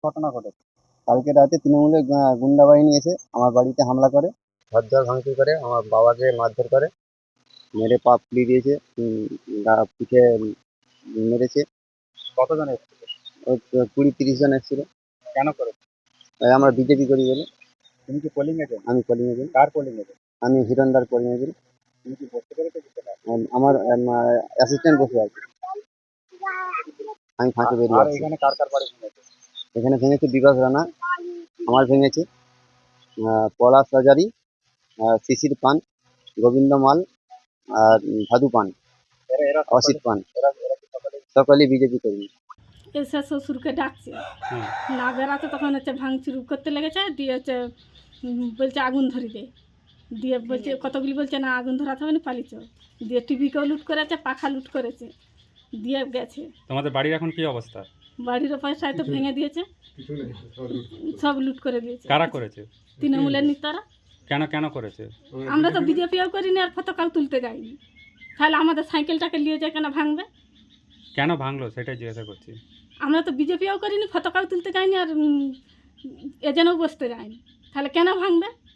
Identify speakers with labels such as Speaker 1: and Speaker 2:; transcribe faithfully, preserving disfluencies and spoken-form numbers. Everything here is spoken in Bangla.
Speaker 1: ঘটনা ঘটেছে। কালকে রাতে তৃণমূলের গা- গুন্ডা বাহিনী এসে আমার বাড়িতে হামলা করে, ঘরদর ভাঙচুর করে, আমার বাবাকে মারধর করে, মেরে পা ফুলিয়ে দিয়েছে, উম, গা পিঠে উম, মেরেছে।
Speaker 2: কতজন এসেছিল?
Speaker 1: ওই তো কুড়ি তিরিশ জন এসেছিল।
Speaker 2: কেন করে?
Speaker 1: তাই আমরা বিজেপি করি বলে।
Speaker 2: তুমি কি পোলিং এজেন্ট?
Speaker 1: আমি পোলিং এজেন্ট।
Speaker 2: কার পোলিং এজেন্ট?
Speaker 1: আমি হিরণদার পোলিং এজেন্ট।
Speaker 2: তুমি কি বসতে পেরেছো কিছু না?
Speaker 1: আমার অ্যাসিস্ট্যান্ট বসে আছে, আমি ফাঁকে বেরিয়ে
Speaker 2: আর
Speaker 1: আসছি।
Speaker 2: এখানে কার কার বাড়ি ভেঙেছে?
Speaker 1: এখানে ভেঙেছে বিকাশ রানা, আমার ভেঙেছে, আহ, পলাশ হাজারি, আহ, শিশির পান, গোবিন্দ মাল, আর উম, ভাদু পান,
Speaker 2: এরা এরা
Speaker 1: অসিত
Speaker 2: সকালে
Speaker 1: পান।
Speaker 2: এরা এরা কি সকালে
Speaker 1: সকলেই বিজেপি কর্মী।
Speaker 3: এসে শ্বশুরকে ডাকছে, না বেড়াতে তখন হচ্ছে ভাঙচুর করতে লেগেছে, দিয়ে হচ্ছে উম, বলছে আগুন ধরি দে, দিয়ে বলছে কতগুলি বলছে না আগুন ধরাতে হবে না পালিয়েছ, দিয়ে টিভিকেও লুট করেছে, পাখা লুট করেছে, দিয়ে গেছে।
Speaker 4: তোমাদের বাড়ির এখন কি অবস্থা?
Speaker 3: বাড়ির পয়সায় তো ভেঙে দিয়েছে, সব লুট করে দিয়েছে।
Speaker 4: কারা করেছে?
Speaker 3: তৃণমূলের নেতারা।
Speaker 4: কেন কেন করেছে?
Speaker 3: আমরা তো বিজেপিও করিনি আর পতাকাও তুলতে যাইনি, তাহলে আমাদের সাইকেলটাকে নিয়ে যায় কেন ভাঙবে?
Speaker 4: কেন ভাঙলো সেটাই জিজ্ঞাসা করছি।
Speaker 3: আমরা তো বিজেপিও করিনি, পতাকাও তুলতে যাইনি, আর এজেন্টও বসতে যাইনি, তাহলে কেন ভাঙবে?